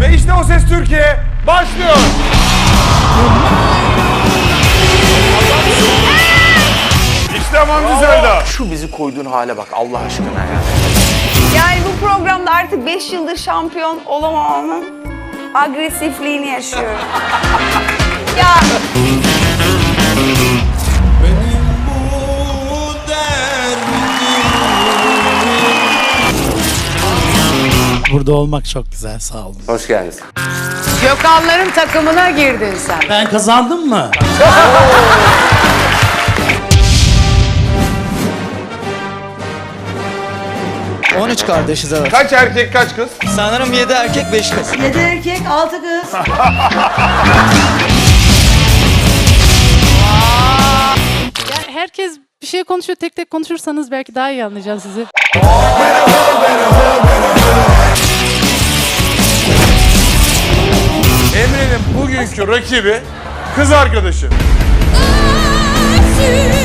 Ve işte O Ses Türkiye başlıyor. İşte Mamzi Selda. Şu bizi koyduğun hale bak Allah aşkına ya. Yani bu programda artık 5 yıldır şampiyon olamamamın agresifliğini yaşıyorum. Ya Burada olmak çok güzel, sağ olun. Hoş geldiniz. Gökhanların takımına girdin sen. Ben kazandım mı? 13 kardeşiz evet. Kaç erkek kaç kız? Sanırım 7 erkek 5 kız. 7 erkek 6 kız. Herkes bir şey konuşuyor, tek tek konuşursanız belki daha iyi anlayacağım sizi. Emre'nin bugünkü rakibi kız arkadaşı.